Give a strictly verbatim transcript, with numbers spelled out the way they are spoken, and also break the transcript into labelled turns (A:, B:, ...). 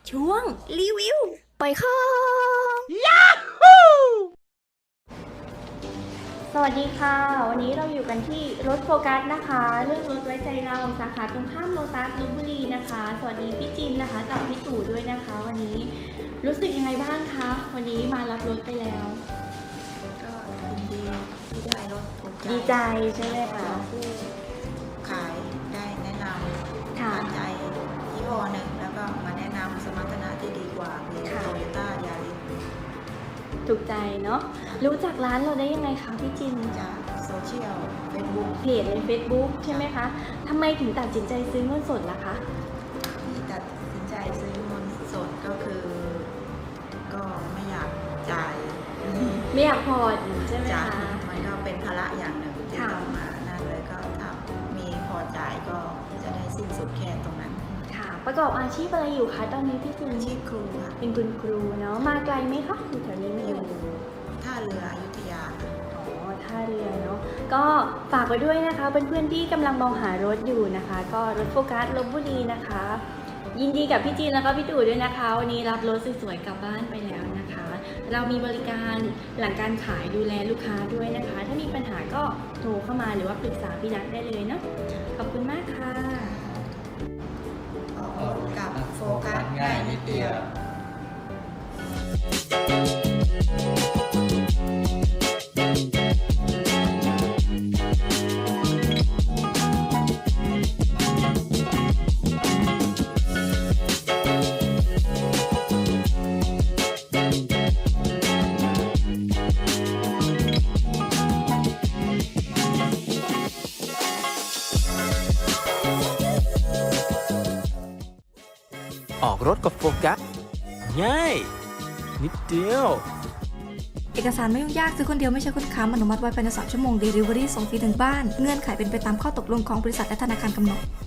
A: ช่วงรีวิวปล่อยของ สวัสดีค่ะวันนี้เราอยู่กันที่รถโฟกัสนะคะเรื่องรถไว้ใจเราสาขาตรงข้ามโลตัสลพบุรีนะคะสวัสดีพี่จินนะคะกับพี่ตู่ด้วยนะคะวันนี้รู้สึกยังไงบ้างคะวันนี้มารับรถไปแล้ว
B: ก็ยินดีที่ได้รถถูกใจ
A: ดีใจใช่ไหมคะ
B: ผู้ขายได้แนะนำ
A: ค่ะ
B: ตัดใจยี่ห้อหนึ่งแล้วก็มาแนะนำสมรรถนะที่ดีกว่าคือโตโยต้ายาริส
A: ถูกใจเนาะรู้จักร้านเราได้ยังไงคะพี่จิน
B: จากโซเชียลเฟซบุ๊ก
A: เพจใน Facebook ใช่ไหมคะทำไมถึงตัดสินใจซื้อเงินสดล่ะคะ
B: ที่ตัดสินใจซื้อเงินสดก็คือ ก็ไม่อยากจ่าย
A: ไม่อยากผ่อนใช่ไหม
B: จ่าย
A: คะ
B: มันก็เป็นภาระอย่างหนึ่งที่
A: ค่ะ
B: ต้องมานั่นเลยก็ถ้ามีพอจ่ายก็จะได้สิ้นสุดแค่ตรงนั้น
A: ค่ะประกอบอาชีพอะไรอยู่คะตอนนี้พี่จิน
B: อาชีพครูค่ะ
A: เป็นคุณครูเนาะมาไกลไหมคะอยู่แถวนี้ไหม
B: อยู่ท่าเรืออยุธยาค่ะ
A: อ๋อท่าเรือเนาะก็ฝากไว้ด้วยนะคะเพื่อนๆที่กำลังมองหารถอยู่นะคะ ก็รถโฟกัสลพบุรีนะคะ ยินดีกับพี่จีนแล้วก็พี่ตู่ด้วยนะคะวันนี้รับรถสวยๆกลับบ้านไปแล้วนะคะ เรามีบริการหลังการขายดูแลลูกค้าด้วยนะคะ ถ้ามีปัญหาก็โทรเข้ามาหรือว่าปรึกษาพี่นัทได้เลยเนาะขอบคุณมากค่ะ
B: ออกรถกับโฟกัสง่ายนิดเดียว
C: ออกรถกับโฟกัสง่ายนิดเดียว
D: เอกสารไม่ยุ่งยากซื้อคนเดียวไม่ใช่คนค้ำอนุมัติไว้ภายในสามชั่วโมง Delivery ส่งฟรีถึงบ้านเงื่อนไขเป็นไปตามข้อตกลงของบริษัทและธนาคารกำหนด